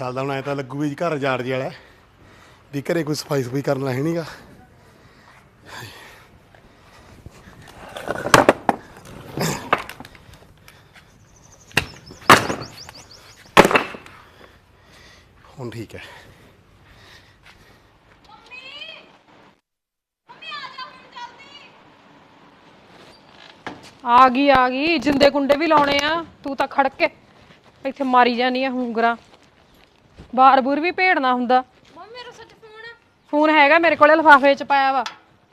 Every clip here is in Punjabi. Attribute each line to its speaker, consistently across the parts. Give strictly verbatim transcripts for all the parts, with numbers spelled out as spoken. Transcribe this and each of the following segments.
Speaker 1: ਚੱਲਦਾ ਹੁਣ ਐ ਤਾਂ ਲੱਗੂ ਵੀ ਘਰ ਜਾੜ ਜੇ ਵਾਲਾ ਵੀ ਘਰੇ ਕੋਈ ਸਫਾਈ ਸਫਾਈ ਕਰਨ ਵਾਲਾ ਹੈ ਨੀ ਗਾ। ਹੁਣ ਠੀਕ ਹੈ।
Speaker 2: ਆ ਗਈ ਆ ਗਈ ਜਿੰਦੇ ਕੁੰਡੇ ਵੀ ਲਾਉਣੇ ਆ। ਤੂੰ ਤਾਂ ਖੜ ਕੇ ਇੱਥੇ ਮਾਰੀ ਜਾਨੀ ਆ ਹੁੰਗਰਾ। ਬਾਰ ਬੂਰ ਵੀ ਭੇੜਨਾ ਹੁੰਦਾ। ਮੰਮੀ ਮੇਰਾ ਸੱਚ ਫੋਨ ਫੋਨ ਹੈਗਾ ਮੇਰੇ ਕੋਲੇ, ਲਿਫਾਫੇ ਚ ਪਾਇਆ ਵਾ।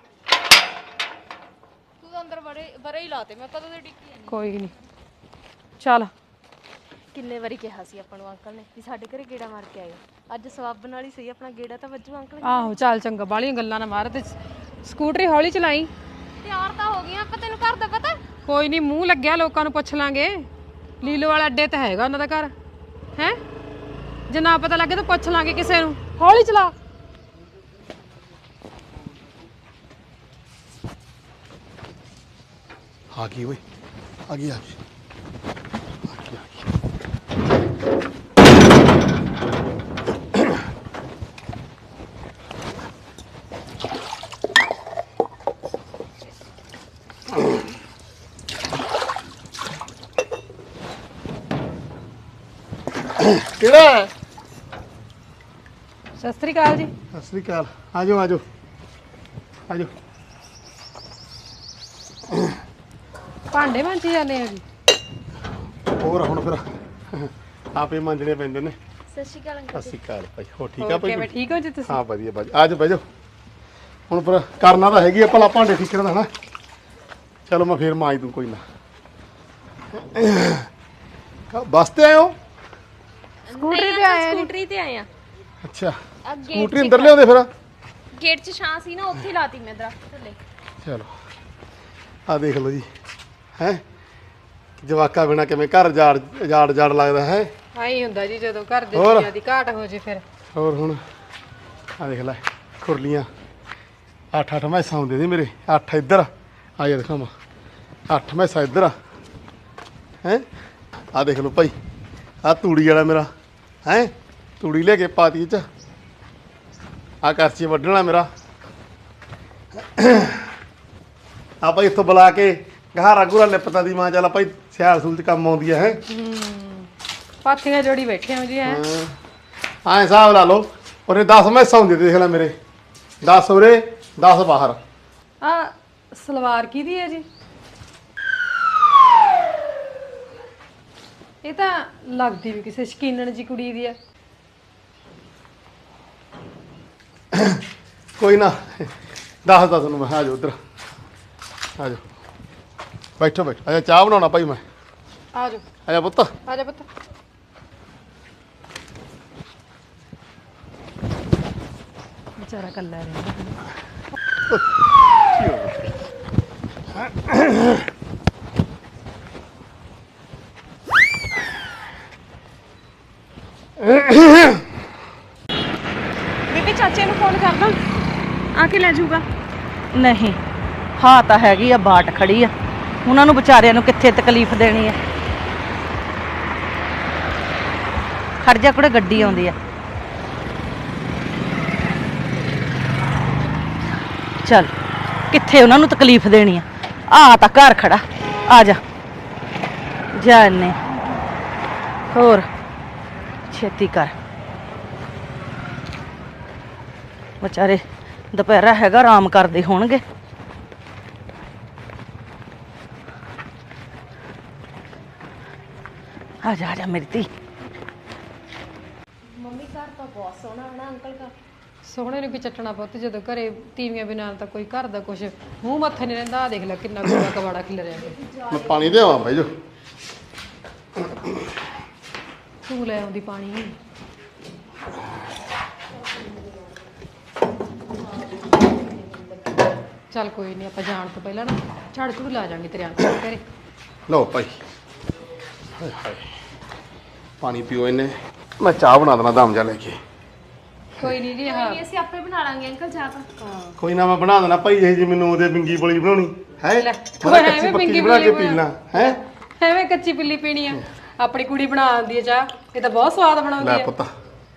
Speaker 3: ਤੂੰ ਤਾਂ ਅੰਦਰ ਬੜੇ ਬਰੇ ਹੀ ਲਾਤੇ, ਮੈਂ ਕਦੋਂ ਦੇ ਡਿੱਕੀ ਜਾਂਦੀ।
Speaker 2: ਕੋਈ ਨਹੀਂ ਚੱਲ।
Speaker 3: ਕਿੰਨੇ ਵਾਰੀ ਕਿਹਾ ਸੀ ਆਪਾਂ ਨੂੰ ਅੰਕਲ ਨੇ ਵੀ ਸਾਡੇ ਘਰੇ ਗੇੜਾ ਮਾਰ ਕੇ ਆਇਓ। ਅੱਜ ਸਵਾਬ ਨਾਲ ਹੀ ਸਹੀ ਆਪਣਾ ਗੇੜਾ ਤਾਂ ਵੱਜੂ ਅੰਕਲ।
Speaker 2: ਆਹੋ ਚੱਲ ਚੰਗਾ, ਬਾਹਲੀਆਂ ਗੱਲਾਂ ਨਾ ਮਾਰ ਤੇ ਸਕੂਟਰੀ ਹੌਲੀ ਚਲਾਈ।
Speaker 3: ਤਿਆਰ ਤਾਂ ਹੋ ਗਈਆਂ ਆਪਾਂ, ਤੈਨੂੰ ਘਰ ਦਾ ਪਤਾ।
Speaker 2: ਕੋਈ ਨਹੀਂ ਮੂੰਹ ਲੱਗਿਆ ਲੋਕਾਂ ਨੂੰ ਪੁੱਛ ਲਾਂਗੇ। ਲੀਲੋ ਵਾਲਾ ਅੱਡੇ ਤੇ ਹੈਗਾ ਉਹਨਾਂ ਦਾ ਘਰ ਹੈ। ਜੇ ਨਾ ਪਤਾ ਲੱਗੇ ਤਾਂ ਪੁੱਛ ਲਾਂਗੇ ਕਿਸੇ ਨੂੰ। ਹੌਲੀ ਚਲਾ।
Speaker 1: ਆ ਗਈ ਓਏ, ਆ ਗਈ ਆ ਗਈ ਕਿਹੜਾ?
Speaker 2: ਸਤਿ ਸ੍ਰੀ ਅਕਾਲ ਜੀ।
Speaker 1: ਸਤਿ ਸ੍ਰੀ ਅਕਾਲ। ਆ ਜਾਓ ਆ ਜਾਓ ਆ ਜਾਓ।
Speaker 2: ਭਾਂਡੇ ਮਾਂਜੀ ਜਾਂਦੇ ਆ ਜੀ।
Speaker 1: ਹੋਰ ਹੁਣ ਫਿਰ ਆਪੇ ਮਾਂਜਣੇ ਪੈਂਦੇ ਨੇ।
Speaker 3: ਸਤਿ ਸ਼੍ਰੀ ਅਕਾਲ ਅੰਕਲ।
Speaker 1: ਸਤਿ ਸ੍ਰੀ ਅਕਾਲ ਭਾਈ। ਹੋ ਠੀਕ ਆ ਭਾਈ?
Speaker 2: ਕਿਵੇਂ ਠੀਕ ਹੋ ਜੀ ਤੁਸੀਂ?
Speaker 1: ਹਾਂ ਵਧੀਆ ਭਾਈ। ਆ ਜਾਓ ਬਹਿ ਜਾਓ। ਹੁਣ ਫਿਰ ਕਰਨਾ ਤਾਂ ਹੈਗੀ ਆ ਭਲਾ ਭਾਂਡੇ ਠੀਕ ਕਰਨਾ ਨਾ। ਚਲੋ ਮੈਂ ਫੇਰ ਮਾਂਜ ਦੂੰ ਕੋਈ ਨਾ। ਬੱਸ ਤੇ ਆਏ ਹੋ?
Speaker 2: ਸਕੂਟਰੀ ਤੇ ਆਏ ਆ।
Speaker 3: ਸਕੂਟਰੀ ਤੇ ਆਏ ਆ।
Speaker 1: ਅੱਛਾ
Speaker 3: ਅੱਗੇ
Speaker 1: ਸਕੂਟਰੀ ਅੰਦਰ ਲਿਆਉਂਦੇ ਫਿਰ?
Speaker 3: ਗੇਟ 'ਚ ਛਾਂ ਸੀ ਨਾ, ਉੱਥੇ ਲਾਤੀ ਮੈਂ ਦਰਖਤ ਥੱਲੇ।
Speaker 1: ਚਲੋ ਆ ਦੇਖ ਲਓ ਜੀ ਹੈ ਜਵਾਕਾ ਬਿਨਾ ਕਿਵੇਂ ਘਰ ਜਾੜ ਜਾੜ ਜਾੜ ਲੱਗਦਾ ਹੈ।
Speaker 2: ਆਈ ਹੁੰਦਾ ਜੀ ਜਦੋਂ ਘਰ ਦੇ
Speaker 1: ਹੋਰ?
Speaker 2: ਚੀਜ਼ਾਂ ਦੀ ਘਾਟ ਹੋ ਜੇ ਫਿਰ।
Speaker 1: ਹੋਰ ਹੁਣ ਆ ਦੇਖ ਲੈ ਖੁਰਲੀਆਂ ਅੱਠ ਅੱਠ ਮੈਸਾਂ ਹੁੰਦੇ ਸੀ ਮੇਰੇ। ਅੱਠ ਇੱਧਰ ਆ ਜਾ ਦਿਖਾਵਾਂ। ਅੱਠ ਮੈਸਾਂ ਇੱਧਰ ਆ ਹੈ। ਆ ਦੇਖ ਲਓ ਭਾਈ ਆ ਤੂੜੀ ਵਾਲਾ ਮੇਰਾ ਹੈ। ਤੂੜੀ ਲੈ ਕੇ ਪਾਤੀ ਚ ਆ ਕਰਚੀ ਵੱਢਣਾ ਮੇਰਾ। ਆ ਭਾਈ ਇੱਥੋਂ ਬੁਲਾ ਕੇ ਗਹਾਰਾ ਗੁਰਾ ਲਿਪਤਾ ਦੀ ਮਾਂ ਚੱਲ ਭਾਈ ਸਿਆਲ ਸੂਲ ਚ ਕੰਮ ਆਉਂਦੀ ਹੈ।
Speaker 2: ਪਾਥੀਆਂ ਜੋੜੀ ਬੈਠੇ ਹੋ ਜੀ ਹੈ।
Speaker 1: ਹਾਂ ਹਿਸਾਬ ਲਾ ਲਓ। ਉਹਨੇ ਦਸ ਮੈਸਾਂ ਹੁੰਦੀਆਂ ਦੇਖ ਲੈ ਮੇਰੇ। ਦਸ ਉਰੇ ਦਸ ਬਾਹਰ।
Speaker 2: ਆ ਸਲਵਾਰ ਕਿਹਦੀ ਹੈ ਜੀ? ਇਹ ਤਾਂ ਲੱਗਦੀ ਵੀ ਕਿਸੇ ਸ਼ਕੀਨਣ ਜੀ ਕੁੜੀ ਦੀ ਆ।
Speaker 1: ਕੋਈ ਨਾ ਦੱਸਦਾ ਤੁਹਾਨੂੰ ਮੈਂ। ਆ ਜਾਓ ਉੱਧਰ ਆ ਜਾਓ ਬੈਠੋ ਬੈਠੋ। ਅੱਛਾ ਚਾਹ ਬਣਾਉਣਾ ਭਾਈ ਮੈਂ।
Speaker 2: ਆ ਜਾਓ
Speaker 1: ਆ ਜਾ ਪੁੱਤ।
Speaker 2: ਆ ਜਾ ਪੁੱਤ। ਵਿਚਾਰਾ ਕੱਲਾ ਰਹਿੰਦਾ। ਬੀਬੀ ਚਾਚੇ ਨੂੰ ਫੋਨ ਕਰਦਾ, ਆ ਕੇ ਲੈ ਜਾਊਗਾ।
Speaker 4: ਨਹੀਂ ਹਾਂ ਤਾਂ ਹੈਗੀ ਆ, ਬਾਟ ਖੜੀ ਆ। ਉਹਨਾਂ ਨੂੰ ਵਿਚਾਰਿਆਂ ਨੂੰ ਕਿੱਥੇ ਤਕਲੀਫ ਦੇਣੀ ਆ। ਖੜ ਜਾ ਕੁੜੇ, ਗੱਡੀ ਆਉਂਦੀ ਆ। ਚੱਲ ਕਿੱਥੇ ਉਹਨਾਂ ਨੂੰ ਤਕਲੀਫ ਦੇਣੀ ਆ। ਆ ਤਾਂ ਘਰ ਖੜਾ, ਆ ਜਾ ਜਾਨੇ। ਹੋਰ ਛੇਤੀ ਕਰ, ਵਿਚਾਰੇ ਦੁਪਹਿਰਾ ਹੈਗਾ, ਆਰਾਮ ਕਰਦੇ ਹੋਣਗੇ। ਆ ਜਾ ਆ ਜਾ ਮੇਰੀ ਧੀ।
Speaker 3: ਮੰਮੀ ਘਰ ਤਾਂ ਬਹੁਤ ਸੋਹਣਾ ਹੈ ਨਾ ਅੰਕਲ ਦਾ।
Speaker 2: ਸੋਹਣੇ ਨੂੰ ਕੀ ਚੱਟਣਾ ਪੁੱਤ, ਜਦੋਂ ਘਰੇ ਤੀਵੀਆਂ ਬਿਨਾਂ ਤਾਂ ਕੋਈ ਘਰ ਦਾ ਕੁਛ ਮੂੰਹ ਮੱਥੇ ਨਹੀਂ ਰਹਿੰਦਾ। ਆ ਦੇਖ ਲੈ ਕਿੰਨਾ ਕੂੜਾ ਕਬਾੜਾ ਖਿਲ ਰਿਹਾ।
Speaker 1: ਮੈਂ ਪਾਣੀ ਦੇਵਾਂ ਭਾਈ ਜੋ?
Speaker 2: ਤੂੰ ਲੈ ਆਉਂਦੀ ਪਾਣੀ। ਚੱਲ ਕੋਈ ਨਹੀਂ, ਆਪਾਂ ਜਾਣ ਤੋਂ ਪਹਿਲਾਂ ਨਾ ਝਾੜ ਝੂੜ ਲਾ ਜਾਾਂਗੇ ਤੇਰੇ ਅੰਕਲ ਘਰੇ।
Speaker 1: ਲਓ ਭਾਈ। ਹਾਏ ਹਾਏ ਪਾਣੀ ਪੀਓ ਇਹਨੇ। ਮੈਂ ਚਾਹ ਬਣਾ ਦੇਣਾ ਦਮ ਜਾ ਲੈ ਕੇ।
Speaker 2: ਕੋਈ ਨਹੀਂ ਜੀ।
Speaker 3: ਕੋਈ
Speaker 2: ਹਾਂ
Speaker 3: ਨਹੀਂ, ਅਸੀਂ ਆਪੇ ਬਣਾ ਲਾਂਗੇ ਅੰਕਲ ਚਾਹ ਤਾਂ।
Speaker 1: ਕੋਈ ਨਾ ਮੈਂ ਬਣਾ ਦੇਣਾ ਭਾਈ। ਇਹ ਜੀ ਮੈਨੂੰ ਉਹਦੇ ਬਿੰਗੀ ਬੋਲੀ ਬਣਾਉਣੀ ਹੈ।
Speaker 2: ਲੈ,
Speaker 1: ਮੈਂ
Speaker 2: ਐਵੇਂ
Speaker 1: ਕੱਚੀ ਪੱਕੀ
Speaker 2: ਬਿੰਗੀ
Speaker 1: ਬਣਾ ਕੇ
Speaker 2: ਬੋਲੀ
Speaker 1: ਪੀਣਾ ਹੈ।
Speaker 2: ਐਵੇਂ ਕੱਚੀ ਪਿੱਲੀ ਪੀਣੀ ਆ। ਆਪਣੀ ਕੁੜੀ ਬਣਾ ਆਉਂਦੀ ਹੈ ਚਾਹ, ਇਹ ਤਾਂ ਬਹੁਤ ਸਵਾਦ ਬਣਾਉਂਦੀ
Speaker 1: ਲੈ
Speaker 2: ਹੈ।
Speaker 1: ਪੁੱਤ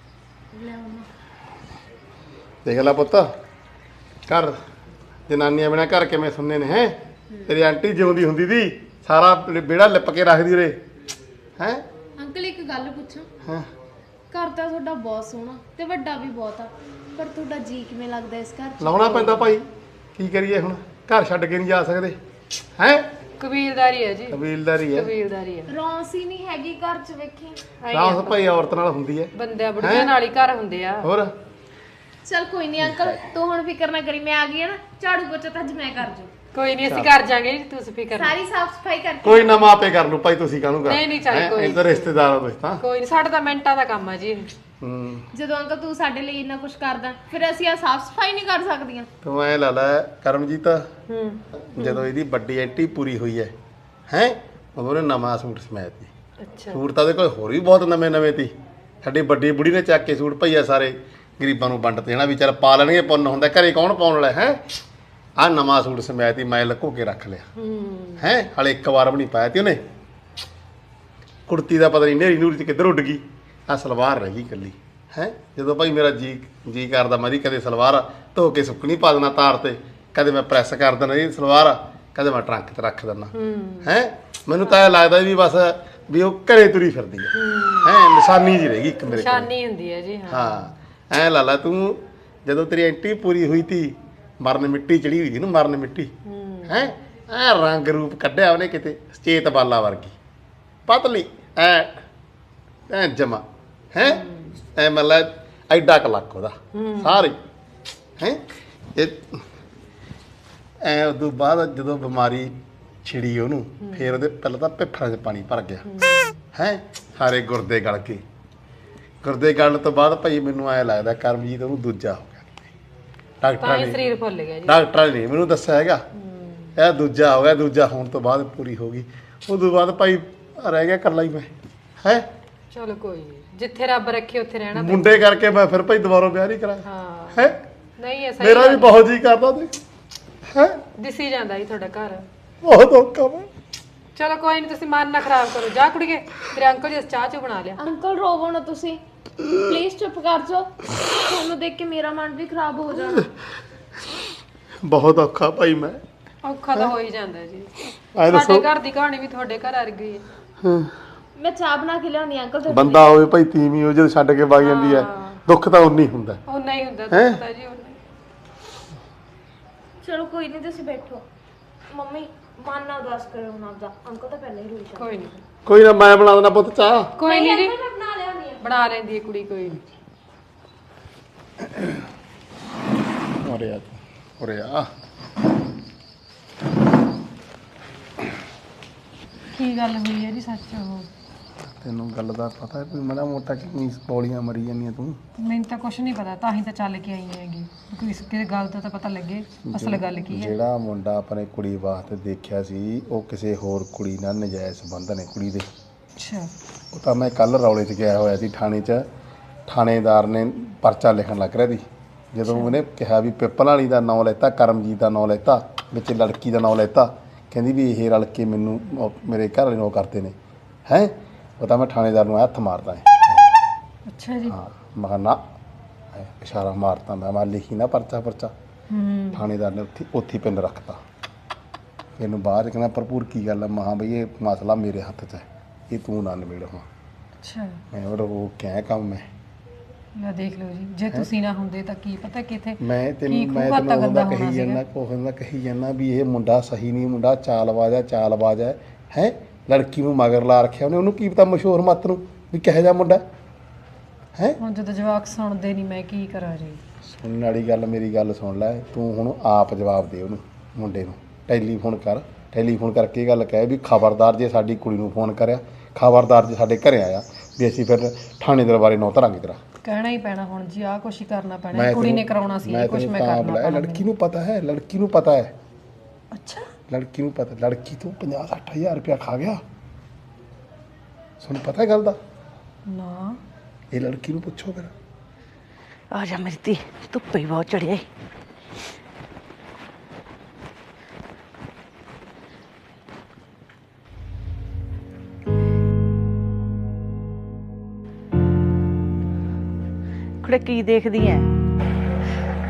Speaker 1: ਦੇਖ ਲੈ ਪੁੱਤ ਘਰ ਜਨਾਨੀਆਂ ਬਿਨਾਂ ਘਰ ਕਿਵੇਂ ਸੁਣਨੇ ਨੇ ਹੈ। ਤੇਰੀ ਆਂਟੀ ਜਿਉਂਦੀ ਹੁੰਦੀ ਦੀ ਸਾਰਾ ਵਿਹੜਾ ਲਿਪ ਕੇ ਰੱਖਦੀ ਉਰੇ ਹੈ।
Speaker 3: ਅੰਕਲ ਇੱਕ ਗੱਲ ਪੁੱਛਾਂ?
Speaker 1: ਹਾਂ
Speaker 3: ਘਰ ਤਾਂ ਤੁਹਾਡਾ ਬਹੁਤ ਸੋਹਣਾ ਤੇ ਵੱਡਾ ਵੀ ਬਹੁਤ ਆ, ਪਰ ਤੁਹਾਡਾ ਜੀ ਕਿਵੇਂ ਲੱਗਦਾ ਇਸ ਘਰ 'ਚ?
Speaker 1: ਲਾਉਣਾ ਪੈਂਦਾ ਭਾਈ, ਕੀ ਕਰੀਏ ਹੁਣ, ਘਰ ਛੱਡ ਕੇ ਨਹੀਂ ਜਾ ਸਕਦੇ ਹੈ।
Speaker 2: ਕਬੀਲਦਾਰੀ ਹੈ ਜੀ,
Speaker 1: ਕਬੀਲਦਾਰੀ ਹੈ,
Speaker 2: ਕਬੀਲਦਾਰੀ ਹੈ।
Speaker 3: ਰੌਣਕ ਹੀ ਨਹੀਂ ਹੈਗੀ ਘਰ 'ਚ, ਵੇਖੀ।
Speaker 1: ਰਾਸ ਭਾਈ ਔਰਤ ਨਾਲ ਹੁੰਦੀ ਹੈ,
Speaker 2: ਬੰਦਿਆਂ ਬੁੜੀਆਂ ਨਾਲ ਹੀ ਘਰ ਹੁੰਦੇ ਆ।
Speaker 1: ਹੋਰ
Speaker 3: ਚਲ ਕੋਈ ਨਹੀਂ ਅੰਕਲ, ਤੂੰ ਹੁਣ ਫਿਕਰ ਨਾ ਕਰੀ, ਮੈਂ ਆ ਗਈ ਆ ਨਾ, ਝਾੜੂ ਪੋਚਾ ਤਾਂ ਅੱਜ ਮੈਂ ਕਰ ਜੂ।
Speaker 2: ਕੋਈ ਨਹੀਂ ਅਸੀਂ ਕਰ ਜਾਾਂਗੇ ਜੀ, ਤੁਸੀਂ ਫਿਕਰ ਨਾ।
Speaker 3: ਸਾਰੀ ਸਾਫ ਸਫਾਈ ਕਰਕੇ
Speaker 1: ਕੋਈ ਨਾ ਮਾਂ ਆਪੇ ਕਰ ਲੂ ਭਾਈ, ਤੁਸੀਂ ਕਾਹਨੂੰ ਕਰ।
Speaker 2: ਨਹੀਂ, ਨਹੀਂ, ਚੱਲ ਕੋਈ
Speaker 1: ਇਹ ਤਾਂ ਰਿਸ਼ਤੇਦਾਰ ਹੋ ਤੁਸੀਂ ਤਾਂ।
Speaker 2: ਕੋਈ ਨਹੀਂ, ਸਾਡਾ ਤਾਂ ਮਿੰਟਾਂ ਦਾ ਕੰਮ ਆ ਜੀ।
Speaker 1: ਹੂੰ
Speaker 3: ਜਦੋਂ ਅੰਕਲ ਤੂੰ ਸਾਡੇ ਲਈ ਇੰਨਾ ਕੁਝ ਕਰਦਾ, ਫਿਰ ਅਸੀਂ ਆ ਸਾਫ ਸਫਾਈ ਨਹੀਂ ਕਰ ਸਕਦੀਆਂ?
Speaker 1: ਤੂੰ ਐ ਲਾ ਲੈ ਕਰਮਜੀਤ,
Speaker 2: ਹੂੰ
Speaker 1: ਜਦੋਂ ਇਹਦੀ ਵੱਡੀ ਐਂਟੀ ਪੂਰੀ ਹੋਈ ਹੈ ਹੈ ਉਦੋਂ ਉਹਨੇ ਨਵਾਂ ਸੂਟ ਸਮਿਆ ਤੀ।
Speaker 2: ਅੱਛਾ
Speaker 1: ਸੂਟ ਤਾਂ ਉਹਦੇ ਕੋਲ ਹੋਰ ਵੀ ਬਹੁਤ ਨਵੇਂ ਨਵੇਂ ਤੀ। ਸਾਡੀ ਵੱਡੀ ਬੁੜੀ ਨੇ ਚੱਕ ਕੇ ਸੂਟ ਭਈਆ ਸਾਰੇ ਗਰੀਬਾਂ ਨੂੰ ਵੰਡ ਦੇਣਾ, ਵੀ ਚੱਲ ਪਾ ਲੈਣਗੇ, ਪੁੰਨ ਹੁੰਦਾ, ਘਰੇ ਕੌਣ ਪਾਉਣ ਵਾਲਾ ਹੈ। ਆਹ ਨਵਾਂ ਸੂਟ ਸਮਿਆ ਤੀ, ਮੈਂ ਲੁਕੋ ਕੇ ਰੱਖ ਲਿਆ
Speaker 2: ਹੂੰ
Speaker 1: ਹੈ, ਹਾਲੇ ਇੱਕ ਵਾਰ ਵੀ ਨਹੀਂ ਪਾਇਆ ਤੀ ਉਹਨੇ। ਕੁੜਤੀ ਦਾ ਪਤਾ ਨਹੀਂ ਨੇਰੀ ਨੂਰੀ ਚ ਕਿੱਧਰ ਉੱਡ ਗਈ, ਆਹ ਸਲਵਾਰ ਰਹਿ ਗਈ ਇਕੱਲੀ ਹੈ। ਜਦੋਂ ਭਾਈ ਮੇਰਾ ਜੀ ਜੀ ਕਰਦਾ ਮੈਂ ਕਦੇ ਸਲਵਾਰ ਧੋ ਕੇ ਸੁੱਕਣੀ ਪਾ ਦੇਣਾ ਤਾਰ ਤੇ, ਕਦੇ ਮੈਂ ਪ੍ਰੈਸ ਕਰ ਦੇਣਾ ਇਹ ਸਲਵਾਰ, ਕਦੇ ਮੈਂ ਟਰੰਕ 'ਤੇ ਰੱਖ ਦਿੰਦਾ ਹੈ। ਮੈਨੂੰ ਤਾਂ ਇਹ ਲੱਗਦਾ ਵੀ ਬਸ ਵੀ ਉਹ ਘਰੇ ਤੁਰੀ ਫਿਰਦੀ ਹੈ ਹੈ, ਨਿਸ਼ਾਨੀ ਜੀ ਰਹਿ ਗਈ ਇੱਕ ਮੇਰੇ ਕੋਲ।
Speaker 2: ਨਿਸ਼ਾਨੀ ਹੁੰਦੀ ਹੈ ਜੀ। ਹਾਂ
Speaker 1: ਹਾਂ ਐ ਲਾ ਲਾ ਤੂੰ, ਜਦੋਂ ਤੇਰੀ ਐਂਟੀ ਪੂਰੀ ਹੋਈ ਤੀ, ਮਰਨ ਮਿੱਟੀ ਚੜੀ ਹੋਈ ਸੀ ਨਾ, ਮਰਨ ਮਿੱਟੀ ਹੈ, ਐ ਰੰਗ ਰੂਪ ਕੱਢਿਆ ਉਹਨੇ ਕਿਤੇ, ਚੇਤ ਬਾਲਾ ਵਰਗੀ ਪਤਲੀ ਐ ਐ ਜਮਾ ਹੈ, ਐ ਮਤਲਬ ਐਡਾ ਕੁ ਲੱਕ ਉਹਦਾ ਸਾਰੇ ਹੈ। ਇਹ ਐ ਉਦੋਂ ਬਾਅਦ ਜਦੋਂ ਬਿਮਾਰੀ ਛਿੜੀ ਉਹਨੂੰ, ਫੇਰ ਉਹਦੇ ਪਹਿਲਾਂ ਤਾਂ ਪਿੱਫੜਾਂ 'ਚ ਪਾਣੀ ਭਰ ਗਿਆ ਹੈ, ਸਾਰੇ ਗੁਰਦੇ ਗਲ ਕੇ। ਗੁਰਦੇ ਗਲਣ ਤੋਂ ਬਾਅਦ ਭਾਈ ਮੈਨੂੰ ਐ ਲੱਗਦਾ ਕਰਮਜੀਤ ਉਹਨੂੰ ਦੂਜਾ ਹੋ ਗਿਆ, ਡਾਕਟਰਾਂ
Speaker 2: ਤਾਂ ਹੀ
Speaker 1: ਨੇ
Speaker 2: ਸਰੀਰ ਫੁੱਲ ਗਿਆ ਜੀ।
Speaker 1: ਡਾਕਟਰਾਂ ਨੇ ਮੈਨੂੰ ਦੱਸਿਆ ਹੈਗਾ ਇਹ ਦੂਜਾ ਹੋ ਗਿਆ। ਦੂਜਾ ਹੋਣ ਤੋਂ ਬਾਅਦ ਪੂਰੀ ਹੋ ਗਈ, ਉਦੋਂ ਬਾਅਦ ਭਾਈ ਰਹਿ ਗਿਆ ਇਕੱਲਾ ਹੀ ਮੈਂ ਹੈ।
Speaker 2: ਚਲੋ ਕੋਈ ਨਹੀਂ, ਜਿੱਥੇ ਰੱਬ ਰੱਖੇ ਉੱਥੇ ਰਹਿਣਾ ਪੈਂਦਾ।
Speaker 1: ਮੁੰਡੇ ਕਰਕੇ ਮੈਂ ਫਿਰ ਭਾਈ ਦੁਬਾਰਾ ਵਿਆਹ ਨਹੀਂ ਕਰਾਇਆ
Speaker 2: ਹਾਂ
Speaker 1: ਹੈ।
Speaker 2: ਨਹੀਂ, ਇਹ ਸਹੀ
Speaker 1: ਮੇਰਾ ਵੀ
Speaker 2: ਗੱਲ
Speaker 1: ਬਹੁਤ ਜੀ ਕਰਦਾ ਤੇ ਹੈ,
Speaker 2: ਦਿਸੀ ਜਾਂਦਾ ਜੀ ਤੁਹਾਡਾ ਘਰ।
Speaker 1: ਬਹੁਤ ਔਖਾ ਵਾ।
Speaker 2: ਚਲੋ ਕੋਈ ਨਹੀਂ, ਤੁਸੀਂ ਮਨ ਨਾ ਖਰਾਬ ਕਰੋ, ਜਾ ਕੁੜੀਏ, ਤੇਰੇ ਅੰਕਲ ਜੀ ਚਾਹ ਚੋ ਬਣਾ ਲਿਆ।
Speaker 3: ਅੰਕਲ ਰੋਵੋ ਨਾ ਤੁਸੀਂ, ਪਲੀਜ਼ ਚੁੱਪ ਕਰ ਜਾਓ, ਤੁਹਾਨੂੰ ਦੇਖ ਕੇ ਮੇਰਾ ਮਨ ਵੀ ਖਰਾਬ ਹੋ ਜਾਣਾ।
Speaker 1: ਬਹੁਤ ਔਖਾ ਭਾਈ ਮੈਂ।
Speaker 2: ਔਖਾ ਤਾਂ ਹੋ ਹੀ ਜਾਂਦਾ ਜੀ,
Speaker 1: ਐ
Speaker 2: ਸਾਡੇ
Speaker 1: ਦੱਸੋ
Speaker 2: ਘਰ ਦੀ ਕਹਾਣੀ ਵੀ ਤੁਹਾਡੇ ਘਰ ਆ ਗਈ ਹੈ।
Speaker 1: ਹਾਂ,
Speaker 3: ਮੈਂ ਚਾਹ ਬਣਾ ਕੇ ਲਿਆਉਣੀ ਅੰਕਲ ਤੁਹਾਡੇ
Speaker 1: ਬੰਦਾ ਹੋਵੇ ਭਾਈ ਤੀਵੀਂ ਉਹ ਜਦੋਂ ਛੱਡ ਕੇ ਵਗ ਜਾਂਦੀ ਹੈ, ਦੁੱਖ ਤਾਂ ਉਨੀ ਹੁੰਦਾ।
Speaker 2: ਉਹ ਨਹੀਂ ਹੁੰਦਾ
Speaker 1: ਹੈਂ?
Speaker 2: ਤਾਂ ਜੀ ਉਹ ਨਹੀਂ।
Speaker 3: ਚਲੋ ਕੋਈ ਨਹੀਂ, ਤੁਸੀਂ ਬੈਠੋ। ਮੰਮੀ ਮਨ ਨਾ ਉਦਾਸ ਕਰੋ ਹੁਣ ਆਪਦਾ, ਅੰਕਲ ਤਾਂ ਪਹਿਲਾਂ ਹੀ ਰੋਈ ਜਾਂਦੇ।
Speaker 2: ਕੋਈ ਨਹੀਂ,
Speaker 1: ਕੋਈ ਨਾ ਮੈਂ ਬਣਾ ਦੇਣਾ ਪੁੱਤ ਚਾਹ।
Speaker 2: ਕੋਈ ਨਹੀਂ ਜੀ,
Speaker 3: ਮੈਂ ਬਣਾ ਲਿਆਉਣੀ ਆ।
Speaker 2: ਬਣਾ ਲੈਂਦੀ ਹੈ ਕੁੜੀ, ਕੋਈ ਨਹੀਂ।
Speaker 1: ਉਰੇ ਆ ਉਰੇ ਆ।
Speaker 2: ਕੀ ਗੱਲ ਹੋਈ ਹੈ ਜੀ ਸੱਚ? ਉਹ
Speaker 1: ਤੈਨੂੰ ਗੱਲ ਦਾ ਪਤਾ ਹੈ, ਮਾੜਾ ਮੋਟਾ ਕਿੰਨੀ ਬੋਲੀਆਂ ਮਰੀ ਜਾਂਦੀਆਂ ਤੂੰ।
Speaker 2: ਮੈਨੂੰ ਤਾਂ ਕੁਝ ਨਹੀਂ ਪਤਾ, ਤਾਂ ਹੀ ਤਾਂ ਚੱਲ ਕੇ ਆਈ ਹੈਗੀ, ਕੋਈ ਕਿਸੇ ਗੱਲ ਦਾ ਤਾਂ ਪਤਾ ਲੱਗੇ ਅਸਲ ਗੱਲ ਕੀ ਹੈ।
Speaker 1: ਜਿਹੜਾ ਮੁੰਡਾ ਆਪਣੇ ਕੁੜੀ ਵਾਸਤੇ ਦੇਖਿਆ ਸੀ, ਉਹ ਕਿਸੇ ਹੋਰ ਕੁੜੀ ਨਾਲ ਨਜਾਇਜ਼ ਸੰਬੰਧ ਨੇ ਕੁੜੀ ਦੇ।
Speaker 2: ਅੱਛਾ,
Speaker 1: ਉਹ ਤਾਂ ਮੈਂ ਕੱਲ ਰੌਲੇ 'ਚ ਗਿਆ ਹੋਇਆ ਸੀ ਥਾਣੇ 'ਚ, ਥਾਣੇਦਾਰ ਨੇ ਪਰਚਾ ਲਿਖਣ ਲੱਗ ਰਿਹਾ ਸੀ। ਜਦੋਂ ਉਹਨੇ ਕਿਹਾ ਵੀ ਪਿੱਪਲ ਵਾਲੀ ਦਾ ਨਾਂ ਲੈਤਾ, ਕਰਮਜੀਤ ਦਾ ਨਾਂ ਲੈਤਾ, ਵਿੱਚ ਲੜਕੀ ਦਾ ਨਾਂ ਲੈਤਾ, ਕਹਿੰਦੀ ਵੀ ਇਹ ਰਲ ਕੇ ਮੈਨੂੰ ਉਹ ਮੇਰੇ ਘਰ ਵਾਲੇ ਨੂੰ ਉਹ ਕਰਦੇ ਨੇ ਹੈ। ਉਹ ਤਾਂ ਮੈਂ ਥਾਣੇਦਾਰ ਨੂੰ ਹੱਥ ਮਾਰਦਾ ਹੈ।
Speaker 2: ਅੱਛਾ ਜੀ।
Speaker 1: ਹਾਂ ਮੈਂ ਕਿਹਾ ਨਾ, ਐਂ ਇਸ਼ਾਰਾ ਮਾਰਤਾ, ਮੈਂ ਮੈਂ ਲਿਖੀ ਨਾ ਪਰਚਾ ਪਰਚਾ।
Speaker 2: ਹੂੰ
Speaker 1: ਥਾਣੇਦਾਰ ਨੇ ਉੱਥੇ ਉੱਥੇ ਪਿੰਨ ਰੱਖਤਾ। ਇਹਨੂੰ ਬਾਹਰ ਕਹਿੰਦਾ ਭਰਪੂਰ ਕੀ ਗੱਲ ਹੈ, ਮਹਾ ਬਈ ਇਹ ਮਸਲਾ ਮੇਰੇ ਹੱਥ 'ਚ ਹੈ, ਇਹ ਤੂੰ ਨਾ ਨਿਬੇੜ ਹੁਣ।
Speaker 2: ਅੱਛਾ,
Speaker 1: ਮੈਂ ਉਹ ਉਹ ਕਿਆ ਕੰਮ ਹੈ।
Speaker 2: ਲੈ ਦੇਖ ਲਓ ਜੀ, ਜੇ ਤੁਸੀਂ ਨਾ ਹੁੰਦੇ ਤਾਂ ਕੀ ਪਤਾ ਕਿੱਥੇ
Speaker 1: ਮੈਂ ਤੈਨੂੰ
Speaker 2: ਕੀ
Speaker 1: ਮੈਂ
Speaker 2: ਖੂਹ
Speaker 1: ਤੈਨੂੰ
Speaker 2: ਗੰਦਾ
Speaker 1: ਉਹਦਾ
Speaker 2: ਹੋਣਾ
Speaker 1: ਕਹੀ
Speaker 2: ਸੀਗਾ।
Speaker 1: ਜਾਂਦਾ, ਕੋਹਨ ਦਾ ਕਹੀ ਜਾਂਦਾ ਵੀ ਇਹ ਮੁੰਡਾ ਸਹੀ ਨਹੀਂ, ਮੁੰਡਾ ਚਾਲਬਾਜ਼ ਹੈ, ਚਾਲਬਾਜ਼ ਹੈ ਹੈ। ਲੜਕੀ ਨੂੰ ਮਗਰ ਲਾ ਰੱਖਿਆ ਉਹਨੇ, ਉਹਨੂੰ ਕੀ ਪਤਾ ਮਸ਼ਹੂਰ ਮੱਤ ਨੂੰ ਵੀ ਕਿਹੋ ਜਿਹਾ ਮੁੰਡਾ ਹੈ।
Speaker 2: ਹੁਣ ਜਦੋਂ ਜਵਾਕ ਸੁਣਦੇ ਨਹੀਂ, ਮੈਂ ਕੀ ਕਰਾਂ ਜੀ।
Speaker 1: ਸੁਣਨ ਵਾਲੀ ਗੱਲ, ਮੇਰੀ ਗੱਲ ਸੁਣ ਲੈ ਤੂੰ ਹੁਣ, ਆਪ ਜਵਾਬ ਦੇ ਉਹਨੂੰ ਮੁੰਡੇ ਨੂੰ। ਟੈਲੀਫੋਨ ਕਰ, ਟੈਲੀਫੋਨ ਕਰਕੇ ਇਹ ਗੱਲ ਕਹਿ ਵੀ ਖਬਰਦਾਰ ਜੇ ਸਾਡੀ ਕੁੜੀ ਨੂੰ ਫੋਨ ਕਰਿਆ, ਖਬਰਦਾਰ ਜੇ ਸਾਡੇ ਘਰੇ ਆਇਆ ਵੀ ਅਸੀਂ ਫਿਰ ਥਾਣੇ ਦਰਬਾਰੇ ਨੌ ਧਰਾਂਗੇ ਤੇਰਾ।
Speaker 2: ਕਹਿਣਾ ਹੀ ਪੈਣਾ ਹੁਣ ਜੀ, ਆਹ ਕੁਛ ਹੀ ਕਰਨਾ ਪੈਣਾ, ਕੁੜੀ ਨੇ ਕਰਾਉਣਾ ਸੀ ਇਹ ਕੁਛ, ਮੈਂ
Speaker 1: ਤਾਂ
Speaker 2: ਕਰਨਾ
Speaker 1: ਬੁਲਾਇਆ।
Speaker 2: ਪੈਣਾ।
Speaker 1: ਲੜਕੀ ਨੂੰ ਪਤਾ ਹੈ, ਲੜਕੀ ਨੂੰ ਪਤਾ ਹੈ,
Speaker 2: ਅੱਛਾ,
Speaker 1: ਲੜਕੀ ਨੂੰ ਪਤਾ। ਲੜਕੀ ਤੋਂ ਪੰਜਾਹ ਸੱਠ ਹਜ਼ਾਰ ਰੁਪਇਆ ਖਾ ਗਿਆ, ਤੁਹਾਨੂੰ ਪਤਾ ਹੈ ਗੱਲ ਦਾ।
Speaker 2: ਨਾ
Speaker 1: ਇਹ ਲੜਕੀ ਨੂੰ ਪੁੱਛੋ ਫਿਰ।
Speaker 4: ਆ ਜਾ ਮੇਰੀ ਧੀ, ਧੁੱਪੇ ਹੀ ਬਹੁਤ ਚੜਿਆ ਈ। ਕੁੜੇ ਕੀ ਦੇਖਦੀ ਐ?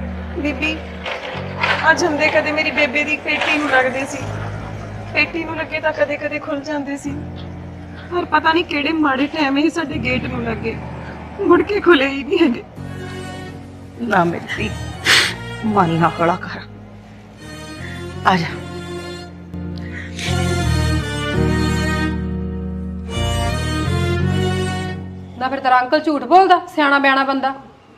Speaker 2: ਬੀਬੀ ਆ ਜੰਦੇ ਕਦੇ ਮੇਰੀ ਬੇਬੇ ਦੀ ਪੇਟੀ ਨੂੰ ਲੱਗਦੇ ਸੀ, ਪੇਟੀ ਨੂੰ ਲੱਗੇ ਤਾਂ ਕਦੇ ਕਦੇ ਖੁੱਲ ਜਾਂਦੇ ਸੀ, ਪਰ ਪਤਾ ਨਹੀਂ ਕਿਹੜੇ ਮਾੜੇ ਟਾਈਮ ਹੀ ਸਾਡੇ ਗੇਟ ਨੂੰ ਲੱਗੇ, ਮੁੜ ਕੇ ਖੁੱਲੇ ਹੀ ਨਹੀਂ ਹੈਗੇ।
Speaker 4: ਨਾ ਮੇਰੀ ਧੀ, ਮਨ ਨਾ ਹੌਲਾ ਕਰ, ਆ ਜਾ।
Speaker 2: ਨਾ ਫਿਰ ਤੇਰਾ ਅੰਕਲ ਝੂਠ ਬੋਲਦਾ, ਸਿਆਣਾ ਬਿਆਣਾ ਬੰਦਾ।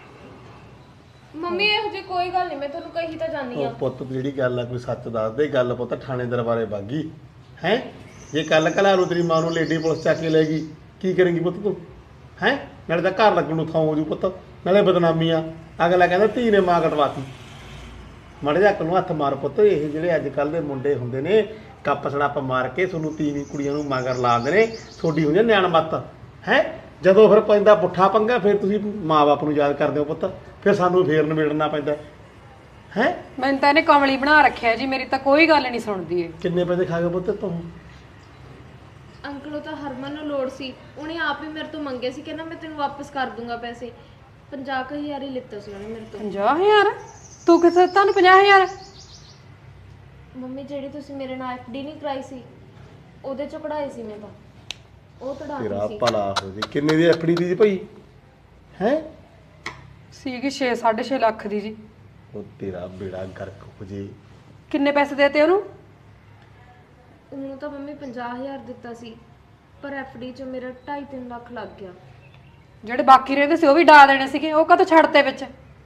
Speaker 3: ਮੰਮੀ ਇਹੋ ਜਿਹੀ ਕੋਈ ਗੱਲ ਨਹੀਂ, ਮੈਂ ਤੁਹਾਨੂੰ ਕਹੀ ਤਾਂ ਜਾਣੀ ਆ।
Speaker 1: ਉਹ ਪੁੱਤ ਜਿਹੜੀ ਗੱਲ ਆ ਕੋਈ ਸੱਚ ਦੱਸ ਦੇ। ਗੱਲ ਪੁੱਤ ਥਾਣੇ ਦਰਬਾਰੇ ਬਾਗੀ ਹੈ। ਜੇ ਕੱਲ ਕਲਾ ਨੂੰ ਤੇਰੀ ਮਾਂ ਨੂੰ ਲੇਡੀ ਪੁਲਿਸ ਚੱਕ ਕੇ ਲੈ ਗਈ, ਕੀ ਕਰੇਂਗੀ ਪੁੱਤ ਤੂੰ ਹੈ? ਨਾਲੇ ਤਾਂ ਘਰ ਲੱਗਣ ਨੂੰ ਥਾਂ ਹੋ ਜੂ ਪੁੱਤ, ਨਾਲੇ ਬਦਨਾਮੀ ਆ। ਅਗਲਾ ਕਹਿੰਦਾ ਧੀ ਨੇ ਮਾਂ ਕਟਵਾਤੀ। ਮਾੜੇ ਜਿਹੇ ਨੂੰ ਹੱਥ ਮਾਰ ਪੁੱਤ। ਇਹ ਜਿਹੜੇ ਅੱਜ ਕੱਲ ਦੇ ਮੁੰਡੇ ਹੁੰਦੇ ਨੇ, ਕੱਪ ਸੜੱਪ ਮਾਰ ਕੇ ਤੁਹਾਨੂੰ ਤੀਵੀਂ ਕੁੜੀਆਂ ਨੂੰ ਮਗਰ ਲਾਉਂਦੇ ਨੇ। ਤੁਹਾਡੀ ਹੋ ਜਾਂ ਨਿਆਣ ਮੱਤ ਹੈ। ਜਦੋਂ ਫਿਰ ਪੈਂਦਾ ਪੁੱਠਾ ਪੰਗਾ, ਫਿਰ ਤੁਸੀਂ ਮਾਂ ਬਾਪ ਨੂੰ ਯਾਦ ਕਰਦੇ ਹੋ ਪੁੱਤ, ਫਿਰ ਸਾਨੂੰ ਫੇਰ ਨਿਬੇੜਨਾ ਪੈਂਦਾ ਹੈ।
Speaker 2: ਮੈਨੂੰ ਤਾਂ ਇਹਨੇ ਕਮਲੀ ਬਣਾ ਰੱਖਿਆ ਜੀ, ਮੇਰੀ ਤਾਂ ਕੋਈ ਗੱਲ ਨਹੀਂ ਸੁਣਦੀ ਏ।
Speaker 1: ਕਿੰਨੇ ਪੈਸੇ ਖਾ ਗਏ ਪੁੱਤ ਤੂੰ?
Speaker 3: ਅੰਕਲ ਉਹ ਤਾਂ ਹਰਮਨ ਨੂੰ ਲੋੜ ਸੀ, ਉਹਨੇ ਆਪ ਹੀ ਮੇਰੇ ਤੋਂ ਮੰਗੇ ਸੀ, ਕਹਿੰਦਾ ਮੈਂ ਤੈਨੂੰ ਵਾਪਸ ਕਰ ਦੂੰਗਾ ਪੈਸੇ। ਪੰਜਾਹ ਕੁ ਹਜ਼ਾਰ ਹੀ ਲਿੱਤਾ ਸੀ ਉਹਨੇ ਮੇਰੇ ਤੋਂ।
Speaker 2: ਪੰਜਾਹ ਹਜ਼ਾਰ? ਤੂੰ ਕਿਥੇ ਤੁਹਾਨੂੰ ਪੰਜਾਹ ਹਜ਼ਾਰ?
Speaker 3: ਮੰਮੀ ਜਿਹੜੀ ਤੁਸੀਂ ਮੇਰੇ ਨਾਲ ਐਫ ਡੀ ਨਹੀਂ ਕਰਾਈ ਸੀ, ਉਹਦੇ ਚੋਂ ਕਢਾਈ ਸੀ ਮੈਂ ਤਾਂ, ਉਹ
Speaker 1: ਤੇਰਾ
Speaker 3: ਤੜਾਤੀ ਸੀ।
Speaker 1: ਭਲਾ ਹੋ ਜੀ। ਕਿੰਨੇ ਦੀ ਐਫ ਡੀ ਦੀ ਜੀ ਭਾਈ ਹੈ?
Speaker 2: ਸੀਗੀ ਛੇ ਸਾਢੇ ਛੇ ਲੱਖ ਦੀ ਜੀ।
Speaker 1: ਉਹ ਤੇਰਾ ਬੇੜਾ ਗਰਕ ਹੋ ਜੇ।
Speaker 2: ਕਿੰਨੇ ਪੈਸੇ ਦੇਤੇ ਉਹਨੂੰ?
Speaker 3: ਉਹਨੂੰ ਤਾਂ ਮੰਮੀ ਪੰਜਾਹ ਹਜ਼ਾਰ ਦਿੱਤਾ ਸੀ, ਪਰ ਐਫ ਡੀ ਚੋਂ ਮੇਰਾ ਢਾਈ ਤਿੰਨ ਲੱਖ ਲੱਗ ਗਿਆ।
Speaker 2: ਜਿਹੜੇ ਬਾਕੀ ਰਹਿੰਦੇ ਸੀ ਉਹ ਵੀ ਡਾ ਦੇਣੇ ਸੀਗੇ, ਉਹ ਕਦੋਂ ਛੱਡਤੇ ਵਿੱਚ?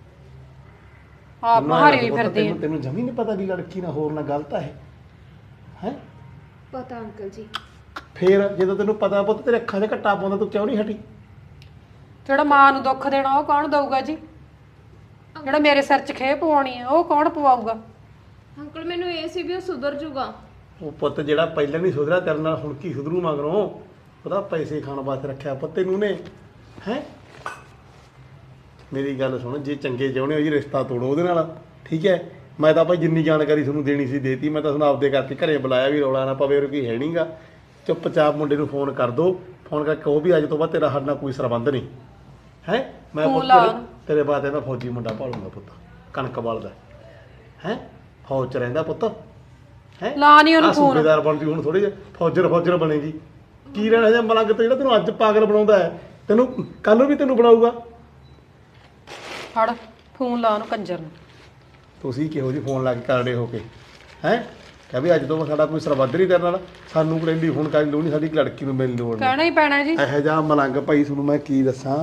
Speaker 2: ਆਪ ਮਹਾਰੀ ਵੀ ਫਿਰਦੀ ਆ।
Speaker 1: ਤੈਨੂੰ ਤੈਨੂੰ ਜਮੀ ਨਹੀਂ ਪਤਾ ਵੀ ਲੜਕੀ ਨਾਲ ਹੋਰ ਨਾਲ ਗਲਤ ਹੈ ਹੈ?
Speaker 3: ਪਤਾ ਅੰਕਲ ਜੀ।
Speaker 1: ਫੇਰ ਜਦੋਂ ਤੈਨੂੰ ਪਤਾ ਪੁੱਤ ਤੇਰੇ ਅੱਖਾਂ 'ਚ ਘੱਟਾ ਪਾਉਂਦਾ, ਤੂੰ ਕਿਉਂ ਨਹੀਂ ਹਟੀ?
Speaker 2: ਜਿਹੜਾ ਮਾਂ ਨੂੰ ਦੁੱਖ ਦੇਣਾ ਉਹ ਕੌਣ ਦਊਗਾ ਜੀ? ਜਿਹੜਾ ਮੇਰੇ ਸਿਰ 'ਚ ਖੇ ਪਵਾਉਣੀ ਆ ਉਹ ਕੌਣ ਪਵਾਊਗਾ?
Speaker 3: ਅੰਕਲ ਮੈਨੂੰ ਇਹ ਸੀ ਵੀ ਉਹ ਸੁਧਰ ਜੂਗਾ।
Speaker 1: ਉਹ ਪੁੱਤ ਜਿਹੜਾ ਪਹਿਲਾਂ ਨਹੀਂ ਸੁਧਰਿਆ ਤੇਰੇ ਨਾਲ, ਹੁਣ ਕੀ ਸੁਧਰੂ ਮਗਰੋਂ? ਉਹਦਾ ਪੈਸੇ ਖਾਣ ਵਾਸਤੇ ਰੱਖਿਆ ਪੁੱਤ ਤੈਨੂੰ ਨੇ ਹੈ। ਮੇਰੀ ਗੱਲ ਸੁਣ, ਜੇ ਚੰਗੇ ਚਾਹੁੰਦੇ ਹੋ ਜੀ ਰਿਸ਼ਤਾ ਤੋੜੋ ਉਹਦੇ ਨਾਲ, ਠੀਕ ਹੈ? ਮੈਂ ਤਾਂ ਭਾਈ ਜਿੰਨੀ ਜਾਣਕਾਰੀ ਤੁਹਾਨੂੰ ਦੇਣੀ ਸੀ ਦੇਤੀ। ਮੈਂ ਤਾਂ ਤੁਹਾਨੂੰ ਆਪਦੇ ਕਰਕੇ ਘਰੇ ਬੁਲਾਇਆ ਵੀ ਰੌਲਾ ਨਾ ਪਵੇ, ਉਹ ਕੋਈ ਹੈ ਨਹੀਂਗਾ। ਚੁੱਪਚਾਪ ਮੁੰਡੇ ਨੂੰ ਫੋਨ ਕਰ ਦੋ, ਫੋਨ ਕਰਕੇ ਕਹੋ ਵੀ ਅੱਜ ਤੋਂ ਬਾਅਦ ਤੇਰਾ ਸਾਡੇ ਨਾਲ ਕੋਈ ਸੰਬੰਧ ਨਹੀਂ ਹੈ। ਮੈਂ ਪੁੱਤ ਤੇਰੇ- ਤੇਰੇ ਬਾਅਦ ਮੈਂ ਫੌਜੀ ਮੁੰਡਾ ਭਾਲੂੰਗਾ ਪੁੱਤ, ਕਣਕ ਵਾਲਦਾ ਹੈ, ਫੌਜ 'ਚ ਰਹਿੰਦਾ ਪੁੱਤ ਹੈ।
Speaker 2: ਲਾ ਨਹੀਂ ਉਹਨੂੰ ਫੋਨ।
Speaker 1: ਸੂਬੇਦਾਰ ਬਣਦੀ ਹੁਣ ਥੋੜੀ ਜਿਹੀ ਫੌਜਰ ਫੌਜਰ ਬਣੇਗੀ। ਕੀ ਰਹਿਣਾ ਜਾਂ ਮਲੰਗ ਤੇ ਜਿਹੜਾ ਤੈਨੂੰ ਅੱਜ ਪਾਗਲ ਬਣਾਉਂਦਾ ਹੈ, ਤੈਨੂੰ ਕੱਲ ਨੂੰ ਵੀ ਤੈਨੂੰ ਬਣਾਊਗਾ।
Speaker 2: ਫੜ ਫੋਨ ਲਾ ਉਹਨੂੰ ਕੰਜਰ ਨੂੰ।
Speaker 1: ਤੁਸੀਂ ਕਿਹੋ ਜਿਹੀ ਫੋਨ ਲਾ ਕੇ ਕਰੜੇ ਹੋ ਕੇ ਹੈ? ਕਹ ਵੀ ਅੱਜ ਤੋਂ ਸਾਡਾ ਕੋਈ ਸਰਬੱਧ ਨਹੀਂ ਤੇਰੇ ਨਾਲ, ਸਾਨੂੰ ਕੋਈ ਫੋਨ ਕਰਨ ਦੀ ਲੋੜ ਨਹੀਂ, ਸਾਡੀ ਲੜਕੀ ਨੂੰ ਮਿਲਣ ਦੀ ਲੋੜ ਨਹੀਂ।
Speaker 2: ਕਹਿਣਾ ਹੀ ਪੈਣਾ ਜੀ।
Speaker 1: ਇਹੋ ਜਿਹਾ ਮਲੰਗ ਭਾਈ ਤੁਹਾਨੂੰ ਮੈਂ ਕੀ ਦੱਸਾਂ।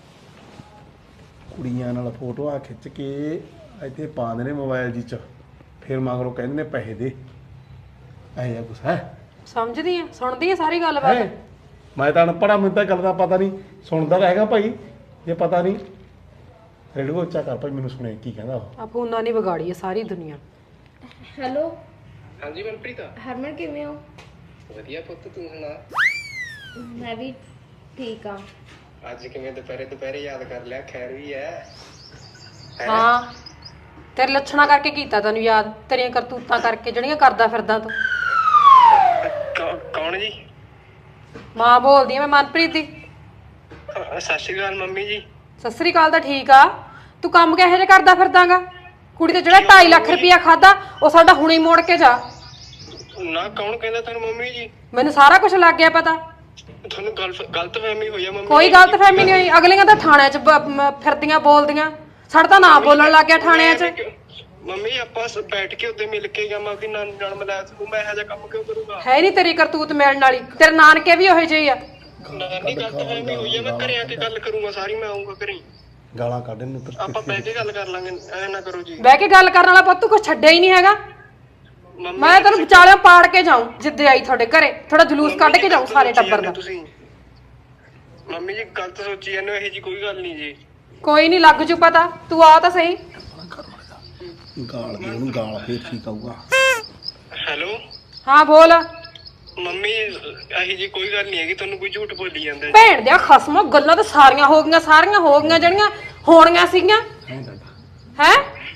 Speaker 1: ਕੁੜੀਆਂ ਨਾਲ ਫੋਟੋਆਂ ਖਿੱਚ ਕੇ ਇੱਥੇ ਪਾਉਂਦੇ ਨੇ ਮੋਬਾਈਲ ਜੀ 'ਚ, ਫਿਰ ਮਗਰੋਂ ਕਹਿੰਦੇ ਨੇ ਪੈਸੇ ਦੇ। ਇਹੋ ਜਿਹਾ ਕੁਛ ਹੈ?
Speaker 2: ਸਮਝਦੀ ਆ, ਸੁਣਦੀ ਆ ਸਾਰੀ ਗੱਲਬਾਤ।
Speaker 1: ਹੈਂ? ਮੈਂ ਤਾਂ ਅਨਪੜ੍ਹਾ, ਮੈਨੂੰ ਤਾਂ ਗੱਲ ਦਾ ਪਤਾ ਨਹੀਂ। ਸੁਣਦਾ ਤਾਂ ਹੈਗਾ ਭਾਈ, ਜੇ ਪਤਾ ਨਹੀਂ ਰੇਡੀਓ ਉੱਚਾ ਕਰ ਭਾਈ, ਮੈਨੂੰ ਸੁਣੇ ਕੀ ਕਹਿੰਦਾ ਉਹ।
Speaker 2: ਆ ਫੋਨਾਂ ਨੇ ਵਿਗਾੜੀ ਆ ਸਾਰੀ ਦੁਨੀਆ।
Speaker 3: ਹੈਲੋ
Speaker 5: ਹਾਂਜੀ ਮਨਪ੍ਰੀਤ,
Speaker 3: ਹਰਮਨ ਕਿਵੇਂ ਹੋ?
Speaker 5: ਵਧੀਆ ਪੁੱਤ, ਤੂੰ ਸੁਣਾ?
Speaker 3: ਮੈਂ ਵੀ ਠੀਕ ਆ।
Speaker 5: ਅੱਜ ਕਿਵੇਂ ਦੁਪਹਿਰੇ ਦੁਪਹਿਰੇ ਯਾਦ ਕਰ ਲਿਆ? ਖੈਰ ਵੀ ਹੈ?
Speaker 2: ਹਾਂ ਤੇਰੇ ਲੱਛਣਾ ਕਰਕੇ ਕੀਤਾ ਤੈਨੂੰ ਯਾਦ, ਤੇਰੀਆਂ ਕਰਤੂਤਾਂ ਕਰਕੇ ਜਿਹੜੀਆਂ ਕਰਦਾ ਫਿਰਦਾ ਤੂੰ।
Speaker 5: ਕੌ- ਕੌਣ ਜੀ?
Speaker 2: ਮਾਂ ਬੋਲਦੀ ਆ ਮੈਂ, ਮਨਪ੍ਰੀਤ ਦੀ।
Speaker 5: ਅ, ਸਤਿ ਸ਼੍ਰੀ ਅਕਾਲ ਮੰਮੀ ਜੀ।
Speaker 2: ਸਤਿ ਸ੍ਰੀ ਅਕਾਲ ਤਾਂ ਠੀਕ ਆ, ਤੂੰ ਕੰਮ ਕਿਹੋ ਜਿਹਾ ਕਰਦਾ ਫਿਰਦਾਗਾ? ਕੁੜੀ ਤੇ ਜਿਹੜਾ ਢਾਈ ਲੱਖ ਰੁਪਇਆ ਖਾਦਾ ਉਹ ਸਾਡਾ ਹੁਣੇ ਮੋੜ ਕੇ ਜਾ।
Speaker 5: ਨਾ ਕੌਣ ਕਹਿੰਦਾ ਤੁਹਾਨੂੰ ਮੰਮੀ ਜੀ?
Speaker 2: ਮੈਨੂੰ ਸਾਰਾ ਕੁਝ ਲੱਗ ਗਿਆ ਪਤਾ।
Speaker 5: ਤੁਹਾਨੂੰ ਗਲਤ ਗਲਤਫਹਿਮੀ ਹੋਈ ਆ ਮੰਮੀ?
Speaker 2: ਕੋਈ ਗਲਤਫਹਿਮੀ ਨਹੀਂ ਹੋਈ, ਅਗਲੀਆਂ ਤਾਂ ਥਾਣਿਆਂ 'ਚ ਬ- ਮ- ਫਿਰਦੀਆਂ ਬੋਲਦੀਆਂ, ਸਾਡਾ ਤਾਂ ਨਾਂ ਬੋਲਣ ਲੱਗ ਗਿਆ ਥਾਣਿਆਂ 'ਚ।
Speaker 5: ਮੰਮੀ ਆਪਾਂ ਸ- ਬੈਠ ਕੇ ਉੱਤੇ ਮਿਲ ਕੇ ਜਾਵਾਂ ਕਿ ਨਾਲ ਨਾਲ ਮਿਲਾਇਆ ਤੂੰ, ਮੈਂ ਇਹੋ ਜਿਹਾ ਕੰਮ ਕਿਉਂ ਕਰੂੰਗਾ?
Speaker 2: ਹੈ ਨਹੀਂ ਤੇਰੀ ਕਰਤੂਤ ਮਿਲਣ ਵਾਲੀ, ਤੇਰੇ ਨਾਨਕੇ ਵੀ ਉਹੋ ਜਿਹੇ ਹੀ ਆ।
Speaker 5: ਨਾਨੀ ਗਲਤਫਹਿਮੀ ਹੋਈ ਆ, ਮੈਂ ਘਰੇ ਆ ਕੇ ਗੱਲ ਕਰੂੰਗਾ ਸਾਰੀ, ਮੈਂ ਆਉਂਗਾ ਘਰੇ,
Speaker 1: ਗਾਲਾਂ ਕੱਢ ਨੂੰ
Speaker 5: ਆਪਾਂ ਬਹਿ ਕੇ ਗੱਲ ਕਰ ਲਾਂਗੇ। ਐ ਨਾ ਕਰੋ ਜੀ
Speaker 2: ਬਹਿ ਕੇ ਗੱਲ ਕਰਨ ਵਾਲਾ ਪੁੱਤ ਕੁਛ ਛੱਡਿਆ ਹੀ ਨਹੀਂ ਹੈਗਾ।
Speaker 5: ਮੰਮੀ।
Speaker 2: ਮੈਂ ਤੈਨੂੰ ਵਿਚਾਲਿਆਂ ਪਾੜ ਕੇ ਜਾਊਂ ਜਿੱਦੇ ਆਈ ਤੁਹਾਡੇ ਘਰੇ, ਥੋੜਾ ਜਲੂਸ ਕੱਢ ਕੇ ਜਾਊਂ ਸਾਰੇ ਟੱਬਰ ਦਾ।
Speaker 5: ਤੁਸੀਂ ਮੰਮੀ ਜੀ ਗਲਤ ਸੋਚੀ ਜਾਂਦੇ ਹੋ, ਇਹੋ ਜੀ ਕੋਈ ਗੱਲ ਨਹੀਂ ਜੀ।
Speaker 2: ਕੋਈ ਨਹੀਂ, ਲੱਗ ਜੂ ਪਤਾ, ਤੂੰ ਆ ਤਾਂ ਸਹੀ।
Speaker 1: ਗਾਲ ਦੇ ਉਹਨੂੰ, ਗਾਲ ਫੇਰ ਠੀਕ ਆਊਗਾ।
Speaker 5: ਹੈਲੋ
Speaker 2: ਹਾਂ ਬੋਲ।
Speaker 5: ਮੰਮੀ ਇਹੀ ਜੀ ਕੋਈ ਗੱਲ ਨਹੀਂ ਹੈਗੀ, ਤੁਹਾਨੂੰ ਕੋਈ ਝੂਠ ਬੋਲੀ ਜਾਂਦਾ।
Speaker 2: ਭੈਣ ਦਿਆ ਖਸਮੋ, ਗੱਲਾਂ ਤਾਂ ਸਾਰੀਆਂ ਹੋ ਗਈਆਂ, ਸਾਰੀਆਂ ਹੋ ਗਈਆਂ ਜਿਹੜੀਆਂ ਹੋਣੀਆਂ ਸੀਗੀਆਂ ਹੈ।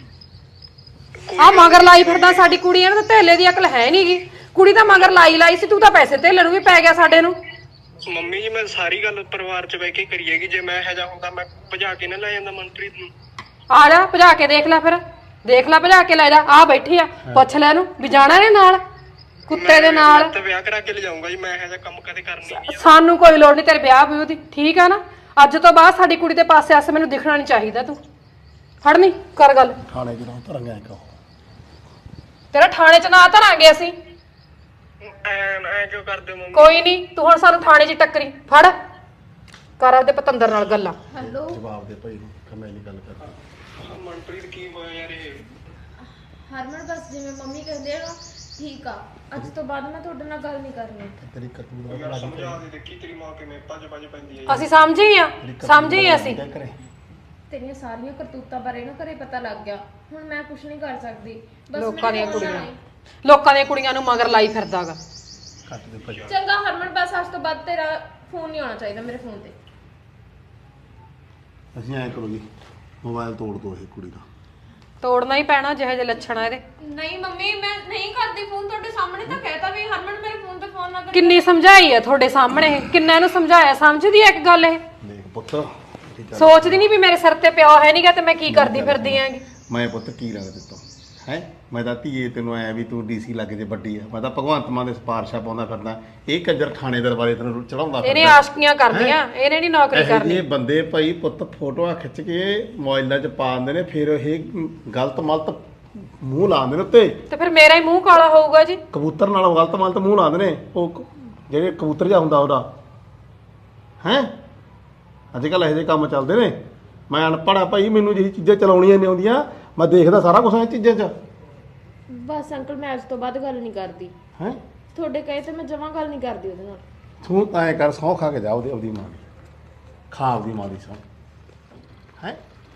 Speaker 2: ਆ ਮਗਰ ਲਾਈ ਫਿਰਦਾ ਸਾਡੀ ਕੁੜੀ, ਇਹਨਾਂ ਤਾਂ ਧੇਲੇ ਦੀ ਅਕਲ ਹੈ ਨਹੀਂਗੀ। ਕੁੜੀ ਤਾਂ ਮਗਰ ਲਾਈ ਲਾਈ ਸੀ, ਤੂੰ ਤਾਂ ਪੈਸੇ ਧੇਲੇ ਨੂੰ ਵੀ ਪੈ ਗਿਆ ਸਾਡੇ ਨੂੰ।
Speaker 5: ਮੰਮੀ ਜੀ ਮੈਂ ਸਾਰੀ ਗੱਲ ਪਰਿਵਾਰ ਚ ਬਹਿ ਕੇ ਕਰੀਏਗੀ, ਜੇ ਮੈਂ ਇਹੋ ਜਿਹਾ ਹੁੰਦਾ ਮੈਂ ਭਜਾ ਕੇ ਨਾ ਲੈ ਜਾਂਦਾ ਮਨਪ੍ਰੀਤ ਨੂੰ।
Speaker 2: ਆ ਜਾ ਭਜਾ ਕੇ ਦੇਖ ਲੈ ਫਿਰ, ਦੇਖ ਲੈ ਭਜਾ ਕੇ ਲੈ ਜਾ, ਆ ਬੈਠੀ ਆ, ਪੁੱਛ ਲੈ ਇਹਨੂੰ ਵੀ ਜਾਣਾ ਨੇ ਨਾਲ ਕੁੱਤੇ ਦੇ ਨਾਲ।
Speaker 5: ਤੇ ਵਿਆਹ ਕਰਾ ਕੇ ਲਿਜਾਊਂਗਾ ਜੀ, ਮੈਂ ਇਹੋ ਜਿਹਾ ਕੰਮ ਕਦੇ ਕਰਨੀ ਨਹੀਂ।
Speaker 2: ਸਾਨੂੰ ਕੋਈ ਲੋੜ ਨਹੀਂ ਤੇਰੇ ਵਿਆਹ ਵਿਊਹ ਦੀ, ਠੀਕ ਆ ਨਾ। ਅੱਜ ਤੋਂ ਬਾਅਦ ਸਾਡੀ ਕੁੜੀ ਦੇ ਪਾਸੇ ਆਸੇ ਮੈਨੂੰ ਦਿਖਣਾ ਨਹੀਂ ਚਾਹੀਦਾ। ਤੂੰ ਫੜ ਨਹੀਂ ਕਰ ਗੱਲ,
Speaker 1: ਥਾਣੇ ਜਦੋਂ ਧਰਾਂਗੇ ਕਹੋ
Speaker 2: ਤੇਰਾ ਥਾਣੇ 'ਚ ਨਾ ਧਰਾਂਗੇ ਅਸੀਂ।
Speaker 5: ਐ ਐ ਕਿਉਂ ਕਰਦੇ ਹੋ ਮੰਮੀ?
Speaker 2: ਕੋਈ ਨਹੀਂ, ਤੂੰ ਹੁਣ ਸਾਨੂੰ ਥਾਣੇ 'ਚ ਟੱਕਰੀ, ਫੜ ਕਰ ਆਪਦੇ ਪਤੰਦਰ ਨਾਲ ਗੱਲਾਂ।
Speaker 3: ਹੈਲੋ
Speaker 1: ਜਵਾਬ ਦੇ ਭਾਈ ਨੂੰ ਕਮੇ ਦੀ ਗੱਲ ਕਰਦਾ।
Speaker 5: ਮਨਪ੍ਰੀਤ ਕੀ ਹੋਇਆ ਯਾਰ ਇਹ?
Speaker 3: ਹਰਮਨ ਬਸ ਜਿਵੇਂ ਮੰਮੀ ਕਹਿੰਦੇ ਆ ਨਾ ਠੀਕ ਆ, ਅੱਜ ਤੋਂ ਬਾਅਦ ਮੈਂ ਤੁਹਾਡੇ ਨਾਲ ਗੱਲ ਨਹੀਂ ਕਰਨੀ।
Speaker 1: ਤੇਰੀ ਕਰਤੂਤ ਦਾ
Speaker 5: ਯਾਰ ਸਮਝਾ ਦੇ, ਦੇਖੀ ਤੇਰੀ ਮਾਂ ਕਿਵੇਂ ਭੱਜ ਭੱਜ ਪੈਂਦੀ ਹੈ।
Speaker 2: ਅਸੀਂ ਸਮਝੇ ਹੀ ਆ, ਸਮਝੇ ਹੀ ਅਸੀਂ।
Speaker 3: ਤੇਰੀਆਂ ਸਾਰੀਆਂ ਕਰਤੂਤਾਂ ਬਾਰੇ ਨਾ ਘਰੇ ਪਤਾ ਲੱਗ ਗਿਆ, ਹੁਣ ਮੈਂ ਕੁਝ ਨਹੀਂ ਕਰ ਸਕਦੀ। ਬਸ
Speaker 2: ਲੋਕਾਂ ਦੀਆਂ
Speaker 3: ਮੈਨੂੰ
Speaker 2: ਕੁੜੀਆਂ ਲੋਕਾਂ ਦੀਆਂ ਕੁੜੀਆਂ ਨੂੰ ਮਗਰ ਲਾਈ ਫਿਰਦਾਗਾ।
Speaker 1: ਕੱਟ ਦੇ ਭਾਈ।
Speaker 3: ਚੰਗਾ ਹਰਮਨ, ਬਸ ਅੱਜ ਤੋਂ ਬਾਅਦ ਤੇਰਾ ਫੋਨ ਨਹੀਂ ਆਉਣਾ ਚਾਹੀਦਾ ਮੇਰੇ ਫੋਨ ਤੇ।
Speaker 1: ਅਸੀਂ ਐਂ ਕਰੋ ਜੀ, ਮੋਬਾਈਲ ਤੋੜ ਦੋ ਇਹ ਕੁੜੀ ਦਾ।
Speaker 2: ਤੋੜਨਾ ਹੀ ਪੈਣਾ ਜਿਹੇ ਜਿਹੇ ਲੱਛਣ ਆ ਇਹਦੇ।
Speaker 3: ਨਹੀਂ ਮੰਮੀ, ਮੈਂ ਨਹੀਂ ਕਰਦੀ ਫੋਨ, ਤੁਹਾਡੇ ਸਾਹਮਣੇ ਤਾਂ ਕਹਿਤਾ ਵੀ ਹਰਮਨ ਮੇਰੇ ਫੋਨ ਤੇ ਫੋਨ ਨਾ ਕਰ।
Speaker 2: ਕਿੰਨੀ ਸਮਝਾਈ ਆ ਤੁਹਾਡੇ ਸਾਹਮਣੇ ਇਹ, ਕਿੰਨਾ ਇਹਨੂੰ ਸਮਝਾਇਆ, ਸਮਝਦੀ ਆ ਇੱਕ ਗੱਲ ਇਹ?
Speaker 1: ਦੇਖ ਪੁੱਤ,
Speaker 2: ਸੋਚਦੀ ਨਹੀਂ ਵੀ ਮੇਰੇ ਸਿਰ ਤੇ ਪਿਓ ਹੈ ਨਹੀਂਗਾ ਤੇ ਮੈਂ ਕੀ ਕਰਦੀ ਫਿਰਦੀ ਆਂਗੀ।
Speaker 1: ਮੈਂ ਪੁੱਤ ਕੀ ਰੰਗ ਦਿੱਤਾ ਹੈ? ਮੈਂ ਤਾਂ ਧੀਏ ਤੈਨੂੰ ਆਇਆ ਵੀ ਤੂੰ ਡੀਸੀ ਲੱਗ ਜੇ ਵੱਡੀ ਆ, ਮੈਂ ਤਾਂ ਭਗਵੰਤ ਮਾਨ ਦੇ ਸਿਫਾਰਸ਼ਾਂ ਪਾਉਂਦਾ ਫਿਰਦਾ। ਇਹ ਕੰਜਰ ਖਾਣੇ ਦਰਬਾਰੇ ਤੈਨੂੰ ਚੜਾਉਂਦਾ
Speaker 2: ਇਹਨੇ ਆਸ਼ਕੀਆਂ ਕਰਨੀਆਂ, ਇਹਨੇ ਨਹੀਂ ਨੌਕਰੀ ਕਰਨੀ।
Speaker 1: ਇਹ ਬੰਦੇ ਭਾਈ ਪੁੱਤ ਫੋਟੋਆਂ ਖਿੱਚ ਕੇ ਮੋਬਾਈਲਾਂ 'ਚ ਪਾ ਦਿੰਦੇ ਨੇ, ਫਿਰ ਇਹ ਗਲਤ ਮਲਤ ਮੂੰਹ ਲਾਉਂਦੇ ਨੇ ਉੱਤੇ।
Speaker 2: ਤੇ ਫਿਰ ਮੇਰਾ ਹੀ ਮੂੰਹ ਕਾਲਾ ਹੋਊਗਾ ਜੀ।
Speaker 1: ਕਬੂਤਰ ਨਾਲ ਗਲਤ ਮਲਤ ਮੂੰਹ ਲਾਉਂਦੇ ਨੇ, ਉਹ ਜਿਹੜੇ ਕਬੂਤਰ ਜਿਹਾ ਹੁੰਦਾ ਉਹਦਾ ਹੈ। ਅੱਜ ਕੱਲ੍ਹ ਇਹੋ ਜਿਹੇ ਕੰਮ ਚੱਲਦੇ ਨੇ। ਮੈਂ ਅਨਪੜ੍ਹ ਆ ਭਾਈ, ਮੈਨੂੰ ਜਿਹੜੀ ਚੀਜ਼ਾਂ ਚਲਾਉਣੀਆਂ ਨਹੀਂ ਆਉਂਦੀਆਂ, ਮੈਂ ਦੇਖਦਾ ਸਾਰਾ ਕੁਛ ਇਹ ਚੀਜ਼ਾਂ 'ਚ।
Speaker 3: ਬਸ ਅੰਕਲ, ਮੈਂ ਅੱਜ ਤੋਂ ਬਾਅਦ ਗੱਲ ਨਹੀਂ ਕਰਦੀ।
Speaker 1: ਹੈ
Speaker 3: ਤੁਹਾਡੇ ਕਹੇ ਤੇ ਮੈਂ ਜਮਾਂ ਗੱਲ ਨਹੀਂ ਕਰਦੀ ਉਹਦੇ ਨਾਲ।
Speaker 1: ਤੂੰ ਤਾਂ ਐਂ ਕਰ, ਸਹੁੰ ਖਾ ਕੇ ਜਾ ਉਹਦੀ ਉਹਦੀ ਮਾਂ ਦੀ, ਖਾ ਉਹਦੀ ਮਾਂ ਦੀ ਸਹੁੰ ਹੈ।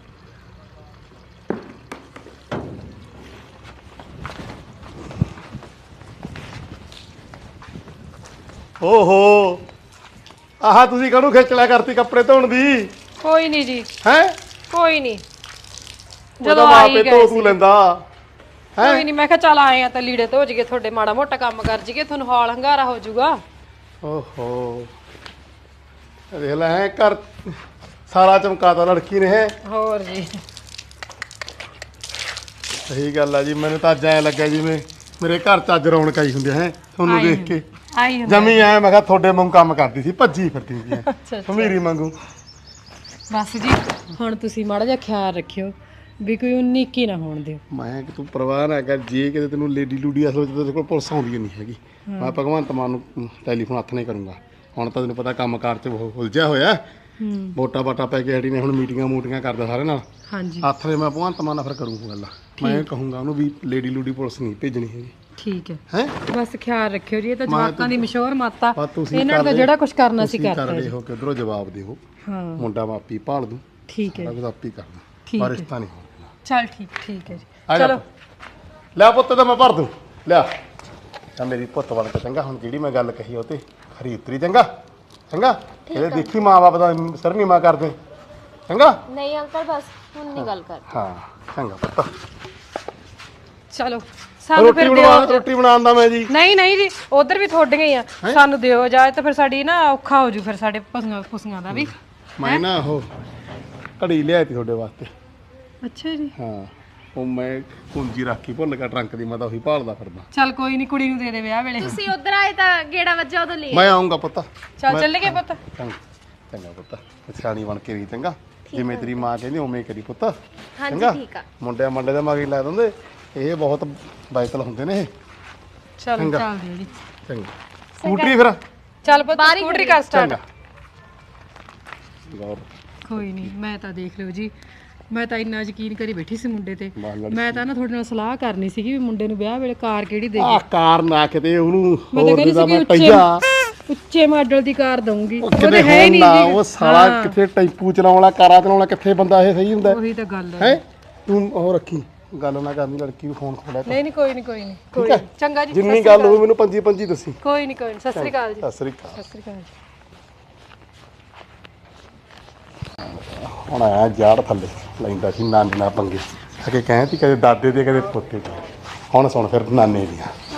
Speaker 1: ਓਹੋ, ਆਹ ਤੁਸੀਂ ਕਾਹਨੂੰ ਖਿੱਚਲਿਆ ਕਰਤੀ ਕੱਪੜੇ ਧੋਣ ਦੀ?
Speaker 2: ਕੋਈ ਨਹੀਂ ਜੀ,
Speaker 1: ਹੈ
Speaker 2: ਕੋਈ ਨਹੀਂ।
Speaker 1: ਜਦੋਂ
Speaker 2: ਜਦੋਂ
Speaker 1: ਆਪੇ
Speaker 2: ਆਈ
Speaker 1: ਧੋ
Speaker 2: ਗਏ
Speaker 1: ਤੂੰ
Speaker 2: ਸੀ,
Speaker 1: ਲੈਂਦਾ ਹੈ।
Speaker 2: ਕੋਈ ਨਹੀਂ, ਮੈਂ ਕਿਹਾ ਚੱਲ ਆਏ ਆ ਤਾਂ ਲੀੜੇ ਧੋ ਜਗੇ, ਤੁਹਾਡੇ ਮਾੜਾ ਮੋਟਾ ਕੰਮ ਕਰ ਜਗੇ, ਤੁਹਾਨੂੰ ਹਾਲ ਹੰਗਾਰਾ ਹੋ ਜਾਊਗਾ।
Speaker 1: ਓਹੋ, ਦੇਖ ਲੈ ਹੈ ਘਰ ਸਾਰਾ ਚਮਕਾਤਾ ਲੜਕੀ ਨੇ ਹੈ।
Speaker 2: ਹੋਰ ਜੀ,
Speaker 1: ਸਹੀ ਗੱਲ ਆ ਜੀ। ਮੈਨੂੰ ਤਾਂ ਅੱਜ ਐ ਲੱਗਾ ਜਿਵੇਂ ਮੇਰੇ ਘਰ ਚ ਅੱਜ ਰੌਣਕ ਆਈ ਹੁੰਦੀ ਹੈ ਤੁਹਾਨੂੰ
Speaker 2: ਆਈ
Speaker 1: ਦੇਖ ਕੇ।
Speaker 2: ਆਈ ਹੁੰਦਾ।
Speaker 1: ਜਮੀ ਐ ਮੈਂ ਕਿਹਾ ਤੁਹਾਡੇ ਵਾਂਗੂ ਕੰਮ ਕਰਦੀ ਸੀ, ਭੱਜੀ ਫਿਰਦੀ ਸੀ
Speaker 2: ਅੱਛਾ।
Speaker 1: ਹਮੀਰੀ ਵਾਂਗੂ।
Speaker 2: ਬਸ ਜੀ, ਹੁਣ ਤੁਸੀਂ ਮਾੜਾ ਜਿਹਾ ਖਿਆਲ ਰੱਖਿਓ ਵੀ ਕੋਈ ਉਨੀਕੀ ਨਾ ਹੋਣ ਦਿਓ।
Speaker 1: ਮੈਂ ਕਿ ਤੂੰ ਪਰਵਾਹ ਨਾ ਕਰ, ਜੇ ਕਿਤੇ ਤੈਨੂੰ ਲੇਡੀ ਲੂਡੀ ਅਸਲ ਵਿੱਚ ਤੇਰੇ ਕੋਲ ਪੁਲਿਸ ਆਉਂਦੀ ਨਹੀਂ ਹੈਗੀ, ਮੈਂ ਭਗਵੰਤ ਮਾਨ ਨੂੰ ਟੈਲੀਫੋਨ ਹੱਥ ਨਹੀਂ ਕਰੂੰਗਾ। ਹੁਣ ਤਾਂ ਤੈਨੂੰ ਪਤਾ ਕੰਮ ਕਾਰ ਚ ਉਹ ਉਲਝਿਆ ਹੋਇਆ।
Speaker 2: ਹੂੰ,
Speaker 1: ਵੋਟਾਂ ਵਾਟਾਂ ਪੈ ਕੇ ਹਟੀ ਨੇ, ਹੁਣ ਮੀਟਿੰਗਾਂ ਮੂਟਿੰਗਾਂ ਕਰਦਾ ਸਾਰੇ ਨਾਲ।
Speaker 2: ਹਾਂਜੀ
Speaker 1: ਹੱਥ ਨੇ ਮੈਂ ਭਗਵੰਤ ਮਾਨ ਨਾਲ ਫਿਰ ਕਰੂੰਗਾ ਗੱਲ। ਮੈਂ ਕਹੂੰਗਾ ਉਹਨੂੰ ਵੀ ਲੇਡੀ ਲੂਡੀ ਪੁਲਿਸ ਨਹੀਂ ਭੇਜਣੀ ਹੈਗੀ,
Speaker 2: ਠੀਕ ਹੈ।
Speaker 1: ਹੈ।
Speaker 2: ਬਸ ਖਿਆਲ ਰੱਖਿਓ ਜੀ, ਇਹ ਤਾਂ
Speaker 1: ਮੈਂ
Speaker 2: ਜਵਾਕਾਂ ਦੀ ਮਸ਼ਹੂਰ ਮਾਤਾ,
Speaker 1: ਬਸ ਤੁਸੀਂ
Speaker 2: ਇਹਨਾਂ ਨੂੰ ਤਾਂ
Speaker 1: ਕਰ
Speaker 2: ਜਿਹੜਾ ਕੁਝ ਕਰਨਾ ਸੀ
Speaker 1: ਤੁਸੀਂ
Speaker 2: ਕਰਤਾ
Speaker 1: ਕਰ
Speaker 2: ਜੀ।
Speaker 1: ਲਿਓ ਕਿ ਉਧਰੋਂ ਜਵਾਬ ਦਿਓ।
Speaker 2: ਹਾਂ
Speaker 1: ਮੁੰਡਾ ਮਾਪੀ ਭਾਲ ਦੂੰ,
Speaker 2: ਠੀਕ ਹੈ
Speaker 1: ਸਾਰਾ
Speaker 2: ਜੀ,
Speaker 1: ਕੁਝ ਆਪੀ ਕਰਦਾ,
Speaker 2: ਠੀਕ
Speaker 1: ਪਰ
Speaker 2: ਹੈ।
Speaker 1: ਰਿਸ਼ਤਾ ਨਹੀਂ ਹੋਣਾ।
Speaker 2: ਚੱਲ ਠੀਕ ਠੀਕ ਹੈ ਜੀ,
Speaker 1: ਆ ਜਾ
Speaker 2: ਚਲੋ।
Speaker 1: ਲੈ ਪੁੱਤ ਤਾਂ ਮੈਂ ਭਰ ਦੂੰ, ਲਿਆ ਤਾਂ ਮੇਰੀ ਪੁੱਤ ਵਾਲ ਕੇ ਚੰਗਾ। ਹੁਣ ਜਿਹੜੀ ਮੈਂ ਗੱਲ ਕਹੀ ਉਹ ਤੇ ਖਰੀ ਉਤਰੀ, ਚੰਗਾ ਚੰਗਾ। ਇਹਦੇ ਦੇਖੀ ਮਾਂ ਬਾਪ ਦਾ ਸਿਰ ਨੀ ਮਾ ਕਰਦੇ, ਚੰਗਾ।
Speaker 3: ਨਹੀਂ ਅੰਕਲ, ਬਸ ਹੁਣ ਨਹੀਂ ਗੱਲ ਕਰ।
Speaker 1: ਹਾਂ ਚੰਗਾ ਪੁੱਤ।
Speaker 2: ਚਲੋ ਸਾਨੂੰ
Speaker 1: ਰੋਟੀ
Speaker 2: ਫਿਰ
Speaker 1: ਬਣਾ
Speaker 2: ਦਿਓ।
Speaker 1: ਰੋਟੀ ਬਣਾਉਣ ਦਾ ਮੈਂ ਜੀ।
Speaker 2: ਨਹੀਂ ਨਹੀਂ ਜੀ, ਉਧਰ ਵੀ ਤੁਹਾਡੀਆਂ ਹੀ ਆ, ਸਾਨੂੰ ਦਿਓ ਇਜਾਜ਼ਤ, ਫਿਰ ਸਾਡੀ ਨਾ ਔਖਾ ਹੋ ਜੂ ਫਿਰ ਸਾਡੇ ਪਸ਼ੂਆਂ ਪਸ਼ੂਆਂ ਦਾ ਵੀ।
Speaker 1: ਮੈਂ ਨਾ ਉਹ ਘੜੀ ਲਿਆਈ ਤੀ ਤੁਹਾਡੇ ਵਾਸਤੇ।
Speaker 2: ਅੱਛਾ ਜੀ,
Speaker 1: ਹਾਂ, ਉਹ ਮੈਂ ਕੁੰਜੀ ਰੱਖੀ ਭੁੱਲ ਗਿਆ ਟਰੰਕ ਦੀ, ਮੈਂ ਤਾਂ ਉਹੀ ਭਾਲਦਾ ਫਿਰਦਾ।
Speaker 2: ਚੱਲ ਕੋਈ ਨਹੀਂ, ਕੁੜੀ ਨੂੰ ਦੇ ਦੇ ਵਿਆਹ ਵੇਲੇ।
Speaker 3: ਤੁਸੀਂ ਉਧਰ ਆਏ ਤਾਂ ਗੇੜਾ ਵੱਜਾ ਉਦੋਂ ਲੈ।
Speaker 1: ਮੈਂ ਆਉਂਗਾ ਪੁੱਤ।
Speaker 2: ਚੱਲ ਚੱਲ ਗਏ ਪੁੱਤ।
Speaker 1: ਚੰਗਾ ਚੰਗਾ ਪੁੱਤ, ਸਿਆਣੀ ਬਣ ਕੇ ਰਹੀ, ਚੰਗਾ। ਜਿਵੇਂ ਤੇਰੀ ਮਾਂ ਕਹਿੰਦੀ ਉਵੇਂ ਹੀ ਕਰੀ ਪੁੱਤ,
Speaker 3: ਹਾਂਜੀ
Speaker 1: ਚੰਗਾ।
Speaker 3: ਠੀਕ ਆ।
Speaker 1: ਮੁੰਡਿਆਂ ਮੰਡੇ ਦੇ ਮਗਰ ਲਾ ਦਿੰਦੇ, ਇਹ ਬਹੁਤ ਬਾਈਕਲ ਹੁੰਦੇ ਨੇ ਇਹ।
Speaker 2: ਚੱਲ
Speaker 1: ਚੰਗਾ।
Speaker 2: ਚੱਲ ਦਿਓ ਜੀ,
Speaker 1: ਚੰਗਾ ਸਕੂਟਰੀ ਫਿਰ
Speaker 2: ਚੱਲ ਪੁੱਤ ਸਕੂਟਰੀ ਕਰ ਸਟਾਰਟ।
Speaker 1: ਚੰਗਾ ਗੌਰ
Speaker 2: ਕੋਈ ਨਹੀਂ, ਮੈਂ ਤਾਂ ਦੇਖ ਲਿਓ ਜੀ, ਮੈਂ ਤਾਂ ਇੰਨਾ ਯਕੀਨ ਕਰੀ ਬੈਠੀ ਸੀ ਮੁੰਡੇ ਤੇ।
Speaker 1: ਬਾਹਰ ਲੜਕੀ।
Speaker 2: ਮੈਂ ਤਾਂ ਨਾ ਤੁਹਾਡੇ ਨਾਲ ਸਲਾਹ ਕਰਨੀ ਸੀਗੀ ਵੀ ਮੁੰਡੇ ਨੂੰ ਵਿਆਹ ਵੇਲੇ ਕਾਰ ਕਿਹੜੀ ਦੇ
Speaker 1: ਆ ਕਾਰ ਨਾ ਕਿਤੇ ਉਹਨੂੰ
Speaker 2: ਮੈਂ ਤਾਂ
Speaker 1: ਹੋਰ
Speaker 2: ਕਹਿੰਦੀ
Speaker 1: ਦਾ
Speaker 2: ਸੀ
Speaker 1: ਮੈਂ
Speaker 2: ਕਿ
Speaker 1: ਪਈਆ
Speaker 2: ਉੱਚੇ ਮਾਡਲ ਦੀ ਕਾਰ ਦਊਂਗੀ,
Speaker 1: ਉਹ
Speaker 2: ਉਹਦੇ
Speaker 1: ਕਿਤੇ
Speaker 2: ਹੈ ਹੀ
Speaker 1: ਹੁਣ
Speaker 2: ਨਹੀਂ
Speaker 1: ਨਾ
Speaker 2: ਜੀ।
Speaker 1: ਉਹ ਸਾਲਾ ਕਿੱਥੇ ਟੈਂਪੂ ਚਲਾਉਣ ਵਾਲਾ, ਕਾਰਾਂ ਚਲਾਉਣ ਵਾਲਾ, ਕਿੱਥੇ ਬੰਦਾ ਇਹ ਸਹੀ ਹੁੰਦਾ
Speaker 2: ਉਹੀ ਤਾਂ ਗੱਲ ਹੈ।
Speaker 1: ਹੈ। ਤੂੰ ਉਹ ਰੱਖੀ ਗੱਲ ਨਾ ਕਰਨੀ, ਲੜਕੀ ਨੂੰ ਫੋਨ ਖੋਲਿਆ
Speaker 2: ਨਹੀਂ ਨਹੀਂ ਕੋਈ ਨਹੀਂ ਕੋਈ ਨਹੀਂ ਕੋਈ
Speaker 1: ਠੀਕ ਹੈ।
Speaker 2: ਨੀ। ਚੰਗਾ ਜੀ,
Speaker 1: ਜਿੰਨੀ ਗੱਲ ਹੋਵੇ ਮੈਨੂੰ ਪੰਜੀ ਪੰਜੀ ਦੱਸੀ।
Speaker 2: ਕੋਈ ਨਹੀਂ ਕੋਈ ਨਹੀਂ। ਸਤਿ ਸ੍ਰੀ ਅਕਾਲ ਜੀ।
Speaker 1: ਸਤਿ ਸ੍ਰੀ ਅਕਾਲ।
Speaker 2: ਸਤਿ ਸ੍ਰੀ ਅਕਾਲ ਜੀ।
Speaker 1: ਹੁਣ ਆਇਆ ਜਾੜ ਥੱਲੇ ਲੈਂਦਾ ਸੀ ਨਾਨੇ ਨਾਲ ਪੰਗੇ, ਅਗੇ ਕਹਿੰਦੀ ਕਦੇ ਦਾਦੇ ਦੇ ਕਦੇ ਪੋਤੇ ਦੇ। ਹੁਣ ਸੁਣ ਫਿਰ ਨਾਨੇ ਦੀਆਂ।